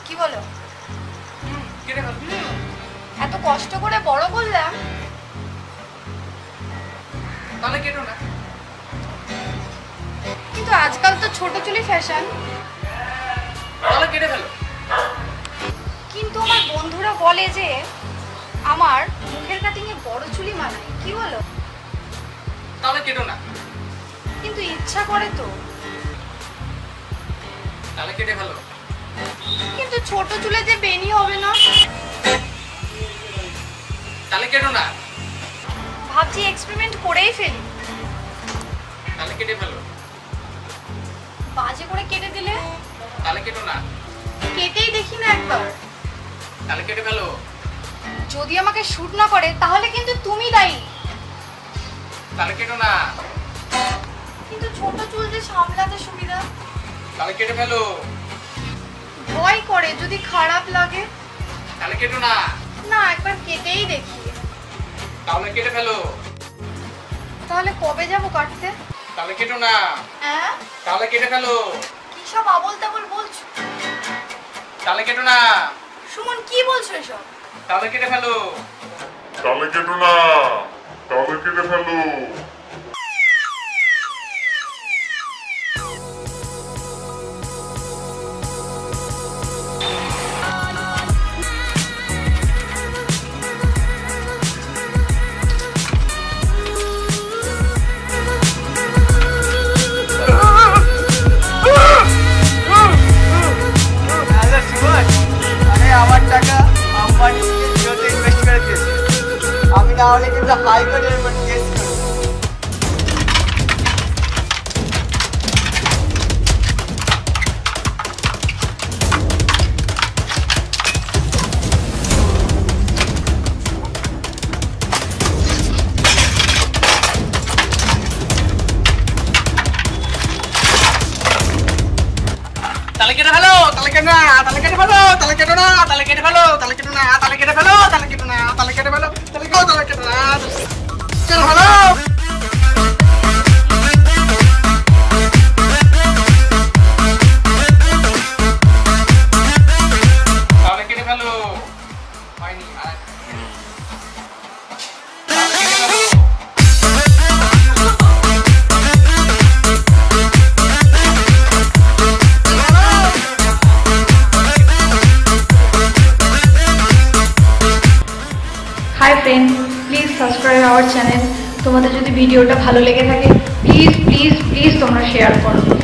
কি বলো? কেটে ফেল। এত কষ্ট করে বড় করলাম, তাহলে কেটো না। কিন্তু আজকাল তো ছোট চুলি ফ্যাশন। তাহলে কেটে ফেলো। কিন্তু আমার বন্ধুরা বলে যে আমার মুখের কাটিং এ বড় চুলি মানায়, কি বলো? তাহলে কেটো না। কিন্তু ইচ্ছা করে তো। তাহলে কেটে ফেলো। কিন্তু ছোট চুলে যে বেনি হবে না। তাহলে কেটো না। ভাবছি এক্সপেরিমেন্ট করেই ফেলি। তাহলে কেটে ফেলো। বাজে করে কেটে দিলে? তাহলে কেটো না। কেটেই দেখি না একবার। তাহলে কেটে ফেলো। যদি আমাকে শুট না করে তাহলে কিন্তু তুমি দায়ী। তাহলে কেটো না। কিন্তু ছোট চুল যে সামলাতে সুবিধা। তাহলে কেটে ফেলো। ভয় করে যদি খারাপ লাগে। তাহলে কেটো না। না, একবার কেটেই দেখি। তাহলে কেটে ফেলো। তাহলে কবে যাব কাটতে? তাহলে কেটো না। হ্যাঁ? তাহলে কেটে ফেলো। কি সব আবল তাবল বলছো? তাহলে কেটো না। সুমন, কি বলছো এসব? তাহলে কেটে ফেলো। তাহলে কেটো না। তাহলে কেটে ফেলো। আমার টাকা আম্বানি জিওতে ইনভেস্ট করে দিয়েছে। আমি না হলে কিন্তু হাইকোর্টের উপর কেস করব। তাহলে কেটে ফেলো। তাহলে কেটো না। তাহলে কেটে ফেলো। তাহলে কেটো না। তাহলে কেটে ফেলো। তাহলে কেটো না। তাহলে কেটে ফেলো। তাহলে কেটো না। তাহলে কেটে ফেলো। তাহলে কেটো। তাহলে কেটো না। কেটে ফেলো। তাহলে কেটে ফেলো। হয়নি আর। তাহলে কেটে ফেলো। Hi friend, please subscribe our channel. তোমাদের যদি ভিডিওটা ভালো লেগে থাকে প্লিজ প্লিজ প্লিজ তোমরা শেয়ার করো।